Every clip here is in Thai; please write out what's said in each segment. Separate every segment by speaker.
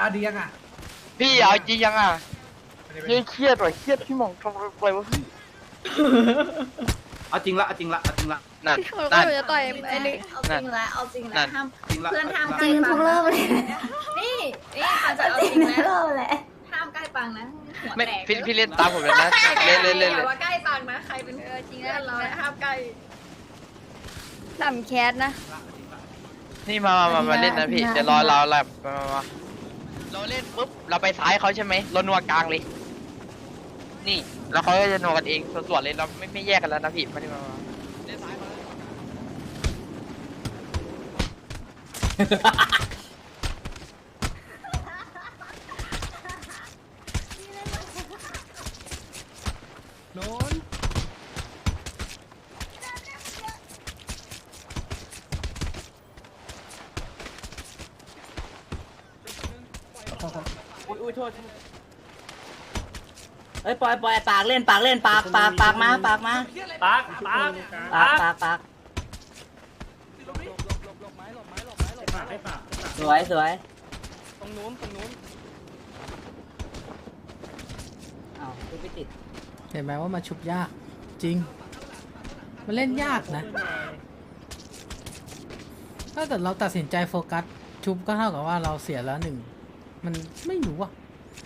Speaker 1: เอาดียังอ่ะ
Speaker 2: พี่เอาจริงยังอ่ะเครียดว่ะเครียดพี่หมองทำอะไรวะพี่
Speaker 3: เอาจริงละเอาจริงละเอาจริงละ
Speaker 2: นั่น
Speaker 4: ก็
Speaker 2: นั่น
Speaker 4: จะต่อยไอ้นี่
Speaker 5: เอาจริงแล้วเอาจริงแล้วห้าม
Speaker 3: จริงละ
Speaker 5: เพื่อนห้าม
Speaker 6: จริงทุกรอบเลย
Speaker 5: นี่ปังจะเอา
Speaker 6: จ
Speaker 5: จ
Speaker 6: ริ
Speaker 5: ริ
Speaker 6: ง
Speaker 5: ง
Speaker 6: ทุกร
Speaker 5: แล้ว
Speaker 6: อบเลย
Speaker 5: ห้ามใกล้ปังนะหัว
Speaker 2: ไม่
Speaker 5: แตก
Speaker 2: พี่เล่นตามผมเลยนะเล่น
Speaker 5: อย่าว่าใกล้ปังนะใครเป็น
Speaker 4: จริง
Speaker 5: เพื่อนเรา
Speaker 4: แล้ว
Speaker 5: ห้ามใกล้
Speaker 4: ต่ำแคสนะ
Speaker 2: นี่มาเล่นนะพี่เดี๋ยวรอเราแลบมาเราเล่นปุ๊บเราไปซ้ายเขาใช่ไหมเรานัวกลางเลยนี่แล้วเขาก็จะนัวกันเองส่วนเลยเราไม่แยกกันแล้วนะพี่มาดิมาเล่นซ้ายเขา
Speaker 1: โน้นอุ้ยโทษ
Speaker 6: เฮ้ยปล่อยปากเล่นปากมาปากมา
Speaker 1: ปากปาก
Speaker 6: ปากสวยตรงนู้นอ้าวดูไม่ติด
Speaker 1: เห็นไหมว่ามันชุบยากจริง มันเล่นยากนะ ถ้าเกิดเราตัดสินใจโฟกัสชุบก็เท่ากับว่าเราเสียแล้วหนึ่งมันไม่รู้อ่ะ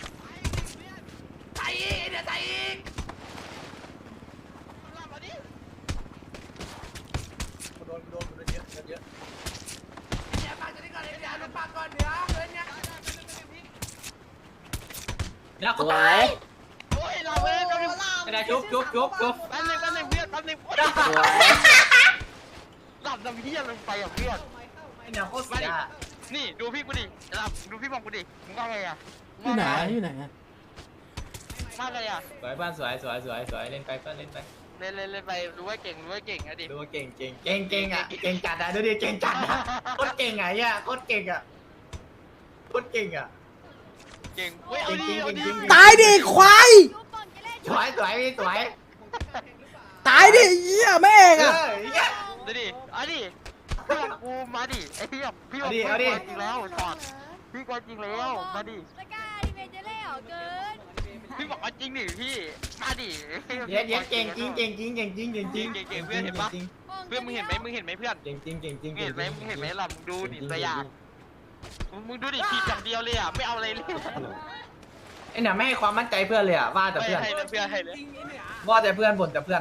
Speaker 6: สวย
Speaker 2: โอ้ยเราเว้ย
Speaker 3: ไม่ได้จุ๊บ
Speaker 2: แป๊บนึงเพื่อนแป๊บนึง
Speaker 6: สวย
Speaker 2: หลับน้ำเพี้ยลงไปอ่ะเพื่อน
Speaker 3: ไอ้เนี่ยโคตรเสีย
Speaker 2: นี่ดูพี่กูดิหลับดูพี่มองกูดิมึงว่าไงอ่ะ
Speaker 1: อยู่ไหนอยู่ไหนอะ
Speaker 2: ว่าไงอ่ะ
Speaker 3: สวยเพื่อนสวยเล่นไปเพื่อนเล่นไป
Speaker 2: เล่นไปรู้ว่าเก่งอะดิ
Speaker 3: ดูว่าเก่งอ่ะเก่งจัดอ่ะดูดิเก่งจัดอ่ะโคตรเก่งไงอ่ะโคตรเก่งอ่ะโคตรเก่งอ่ะ
Speaker 2: เก่งเว้ยเอาดิ
Speaker 1: ตายดิควาย
Speaker 3: สวย
Speaker 1: ตายดิเหี้ยแม่งอ่ะ
Speaker 2: ดูดิเอาดิเพื่อนกูมาดิไอ้พี่พี่บอกจริงแล้วถอดพี่ก็จริงแล้วมาดิ
Speaker 4: สกายดิเมเจเล่เหรอเกิน
Speaker 2: พี่บอกเอาจริงดิพี่มาดิ
Speaker 3: เดี๋ยวเก่งจริง
Speaker 2: เก่งเพื่อนเห็นปะเพื่อนมึงเห็นไหมเพื่อน
Speaker 3: เก่ง
Speaker 2: มึงเห็นไหมล่ะมึงดูดิตัวอย่างมึงดูดิทีอย่างเดียวเลยอ่ะไม่เอาอะไรเลย
Speaker 3: ไอ้เนี่ยไม่ให้ความมั่นใจเพื่อนเลยอ่ะว่าแต่
Speaker 2: ไม่
Speaker 3: เพื่อน
Speaker 2: ให้เลยเพื่อนให้เลย
Speaker 3: ว่าแต่เพื่อนบ่นแต่เพื่อน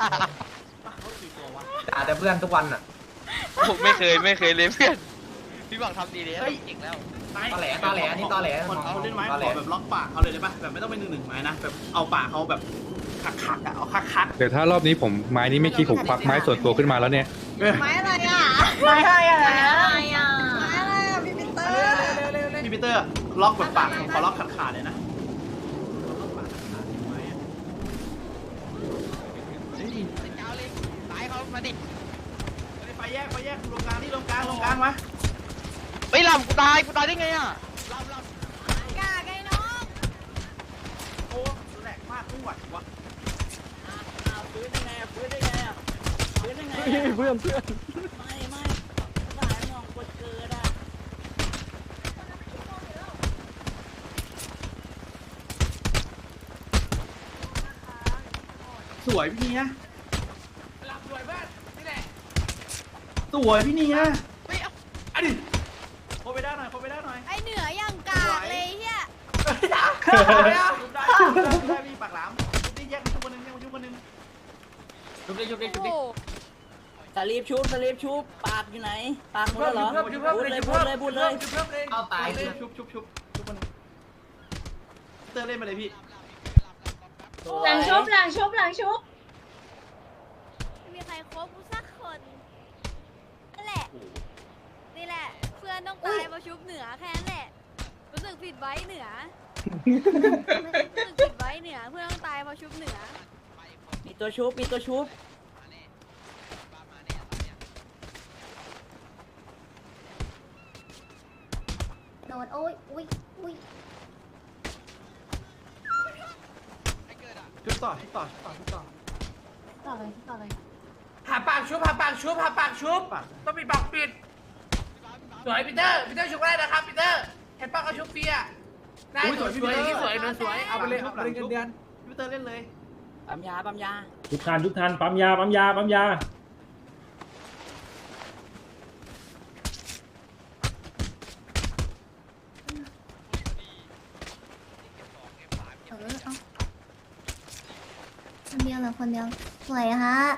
Speaker 3: ด่าแต่เพื่อนทุกวันอ่ะ
Speaker 2: ผมไม่เคยเลยเพื่อนพี่บอกทำดีเลยเก่งแล้ว
Speaker 3: ตอแหลนี่ตอแหล
Speaker 7: คนเขาเล่นไม้ขอแบบล็อกปากเขาเลยได้ปะแบบไม่ต้องเป็น1-1ไม้นะแบบเอาปากเขาแบบคักๆอ่ะเอาคัก
Speaker 8: เดี๋ยวถ้ารอบนี้ผมไม้นี้ไม่คิดผมควักไม้ส่วนตัวขึ้นมาแล้วเนี่ย
Speaker 5: ไม้อะไรอ่ะ
Speaker 6: ไม่ให้อะ
Speaker 5: ไม้
Speaker 6: ไร
Speaker 5: อะไรอ่ะไม้อะไรอ่ะพี่ปีเตอร์
Speaker 7: ๆพี่ปีเตอร์ล็อกแบบปากขอล็อกขาดๆเลยนะ
Speaker 2: เจ้าเลยตายเขามาดิ
Speaker 7: ไปแยกลงกลางมา
Speaker 2: เฮ้ยลำกูตายได้ไงอ่ะลำ
Speaker 4: กาไงน้อง
Speaker 7: โอ้แหลกมากไม่ไหววะ
Speaker 6: ฟื้นได้ไงเพื่อนไม่สายมองกดเกิดอ่ะ
Speaker 7: สวยพี่เนี่ยสวยพี่เนี่ยอันนี้โคไปได้หน่อย
Speaker 4: ไอเหนืออย่างกากเลยเฮีย
Speaker 7: ได้พี่ปากหลามนี่แยกมาชุบคนนึง
Speaker 3: ชุบดิ
Speaker 4: โอ้
Speaker 6: สลีปชุบปากอยู่ไหนปากหมดแล้วเหรอพูดเลย
Speaker 3: เอาตาย
Speaker 7: ชุบคนนึงเตอร์เล่นมาเลยพี่
Speaker 5: หลังชุบ
Speaker 4: ไม่มีใครคบกูสักคนนั่นแหละนี่แหละเพื่อนต้องตายมาชุบเหนือแค่นั้นแหละรู้สึกผิดไว้เหนือเพื่อนต้องตายมาชุบเหนือ
Speaker 6: มีตัวชุบโดนโอ้ยอุ้ย
Speaker 7: ชุบต่อ
Speaker 6: ต่อเลย
Speaker 1: หาปากชุบต้องมีปากปิดสวยปีเตอร์ชุบได้นะครับปีเตอร์
Speaker 3: เห็นป้าเขาชุบเปียได้สวยสวยสวยสวยเอาไปเลยเอาไปเลยเงินเดือนพี่เตอร์เล่นเลย
Speaker 6: ปั๊มยาปั๊มยา
Speaker 9: ทุกทันปั๊มยาปั๊มยาปั๊มยา
Speaker 5: คนเดียวเหรอคนเดียวสวยฮะ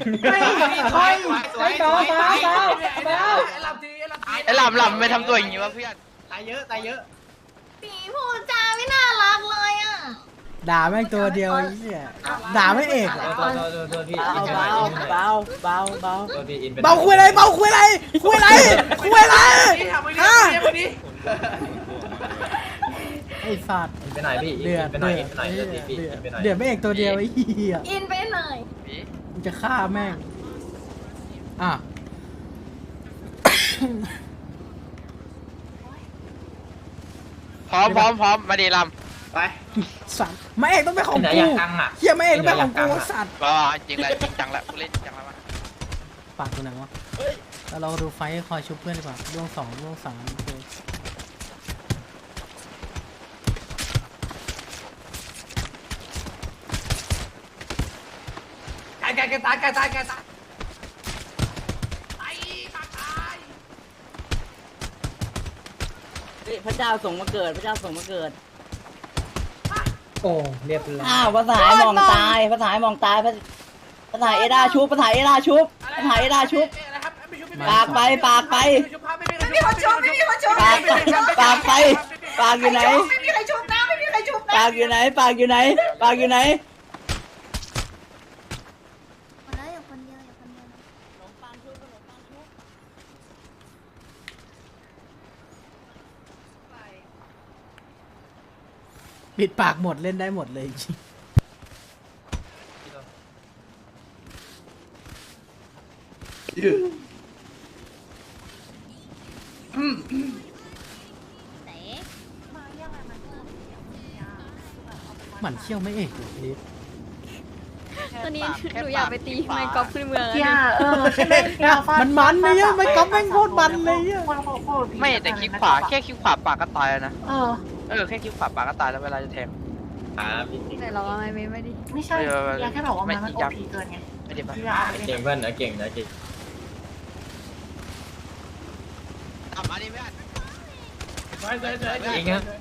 Speaker 2: ไอ้ลำไม่ทำตัวอย่างนี้วะเพื่อน
Speaker 3: ตายเยอะตายเยอะ
Speaker 5: ปีพูดจาไม่น่ารักเลยอ่ะ
Speaker 1: ด่าแม่งตัวเดียวไอ้เหี้ยด่าไม่เอกเหรอ
Speaker 6: เบาเบาเบาเบาเบา
Speaker 1: เบาคุยอะไรเบาคุยอะไรคุยอะไรคุยอะไรฮะไอ้สัตว์
Speaker 3: ไปไหนพี่
Speaker 1: เดือดเดือดเดือดไม่เอกตัวเดียวไอ้เหี้ย
Speaker 5: อินไปหน่อย
Speaker 1: กูจะฆ่าแม่งอ่ะ
Speaker 2: พร้อมมาดีล
Speaker 3: ไป
Speaker 1: สัตว์ไม่เอกต้องเป็นของ
Speaker 3: ไหน
Speaker 1: กู
Speaker 3: อยากกังอ่ะ
Speaker 1: เฮียไม่เอกต้องเป็นของกูสัตว์
Speaker 2: ำก็จริงแล้วจริงจังแล้วกูเล่นจริงจังแล้วมา
Speaker 1: ปากกูหนังวะแล้วเราดูไฟท์คอยชุบเพื่อนดีกว่าล่วงสองล่วงสามโอเค
Speaker 3: ตายตายตายตายตายตายตาย
Speaker 6: พระเจ้าส่งมาเกิดพระเจ้าส่งมาเกิด
Speaker 9: โอ้เรียบร้อย
Speaker 6: อ้าวภาษาไอ้มองตายภาษาไอ้มองตายภาษาเอดาชุบภาษาเอดาชุบภาษาเอดาชุบปากไปปากไป
Speaker 5: ไม่มีคนชมไม่มีคนชม
Speaker 6: ปากปากไปปากอยู่ไหน
Speaker 5: ไม่มีใครชมนะไม่มีใครชมนะ
Speaker 6: ปากอยู่ไหนปากอยู่ไหนปากอยู่ไหน
Speaker 5: คนละอยู่คนเดียวอยู่คนเดียว
Speaker 1: ปิดปากหมดเล่นได้หมดเลยจริง
Speaker 4: ไหน
Speaker 1: หมันเชี่ยวไม่เอกเลยลิฟ
Speaker 4: ตอนนี้หนูอยากไปตีไมค์กอล์ฟขึ้นเมืองแล้ว
Speaker 5: อย่า
Speaker 4: ดิ
Speaker 1: มันเนี่ยไม่ก๊อปแม่งโคตรมันเลยอ่ะ
Speaker 2: ไม่แต่คลิกขวาแค่คลิกขวาปากก็ตายแล้วนะแค่คลิกขวาปากก็ตายแล้วเวลาจะแทง
Speaker 4: ไหนลองเอาไม่ดิ
Speaker 5: ไม่ใช่อยากแค่บอกว่ามันโอพีเกินไง
Speaker 2: ไม่ได้ปะ
Speaker 3: เก่งเพื่อนนะเก่งนะเก่ง
Speaker 2: เอามาดิเพื่อน
Speaker 3: เก่งครับ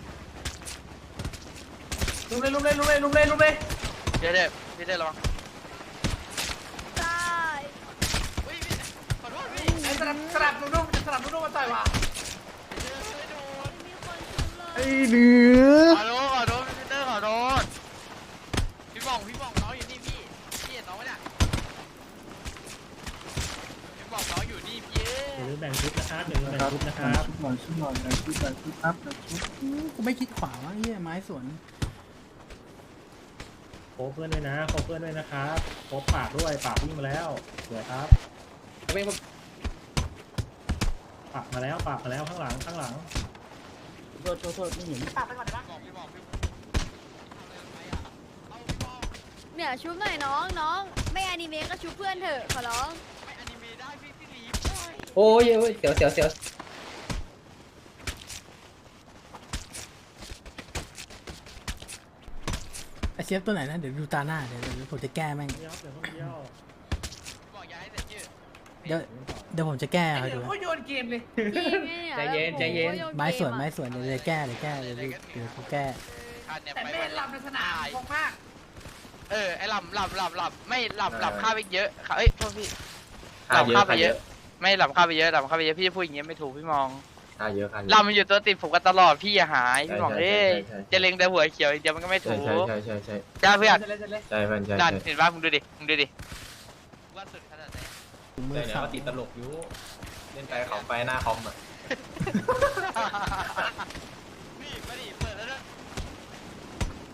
Speaker 3: ลุมเลยลุมเลยลุมเลยลุมเลยลุมเลย
Speaker 2: เดี๋ยวพี่ได้ลอง
Speaker 4: ใช่
Speaker 2: ขอโทษพี่
Speaker 3: ไอ้สลับสลับนุ่มๆสลับนุ่มๆมาต่อยว่ะ
Speaker 4: มีคนชุบเลย
Speaker 1: ไอ้เหนือ
Speaker 2: ขอโทษพี่เตอร์ขอโทษพี่บอกน้องอยู่นี่พี่เห็นน้องไหมเนี่ยพี่บอกน้องอยู่นี่พี่
Speaker 9: หรือแบ่งชุดนะครับหรือแบ่งชุดนะครับ
Speaker 1: กูไม่คิดขวาวะเฮียไม้สวน
Speaker 9: โคเพื่อนด้วยนะโคเพื่อนด้วยนะครับโคปากด้วยปากวิ่งมาแล้วสวยครับปากมาแล้วข้างหลัง
Speaker 6: โทษไม่เห็น
Speaker 3: ปากไปก่อนได้ปะ
Speaker 4: เนี่ยชุบหน่อยน้องไม่อนิเมะก็ชุบเพื่อนเถอะขอร้อง
Speaker 2: ไม่อนิเมะได้พี่ลีฟ
Speaker 3: โอ้ยเสียว
Speaker 1: ไอเชฟตัวไหนนะเดี๋ยวดูตาหน้าเดี๋ยวผมจะแก้แม่ง
Speaker 9: เดี๋ยว
Speaker 2: บอกอย่าให้เสร็จชื่อ
Speaker 1: เดี๋ยวผมจะแก้
Speaker 3: ไอ้
Speaker 1: ให้
Speaker 3: เดี๋
Speaker 1: ดู
Speaker 3: ยว
Speaker 1: นะ
Speaker 3: เขาโยนเกมเลย
Speaker 4: ใจเย็น
Speaker 1: ไม้สวนเดี๋ยวจะแก้เดี๋ยวกูแก้
Speaker 2: คันเนี่ย
Speaker 3: แต่
Speaker 2: ไป
Speaker 3: ไม่หลับในสนามคงมาก
Speaker 2: ไอ้หลับไม่หลับข้าไปเยอะเอ้ยโทษพี่หลับข้าไปเยอะไม่หลับข้าไปเยอะพี่จะพูดอย่างเงี้ยไม่ถูกพี่มองหลับมันอยู่ตัวติดผมกันตลอดพี่อย่าหายพี่มองจะเล็งแต่หัวเขียวเดี๋ยวมันก็ไม่ถูกจ้าเพื่อน
Speaker 3: ใช่เพื่อนใช่
Speaker 2: นั่นเห็นป่ะมึงดูดิว่าสุดขนาดไหน
Speaker 1: มือสั่น
Speaker 3: ติดตลกอยู่เล่นไปเขาไปหน้าคอมอ่ะ
Speaker 2: นี่มาดิเปิด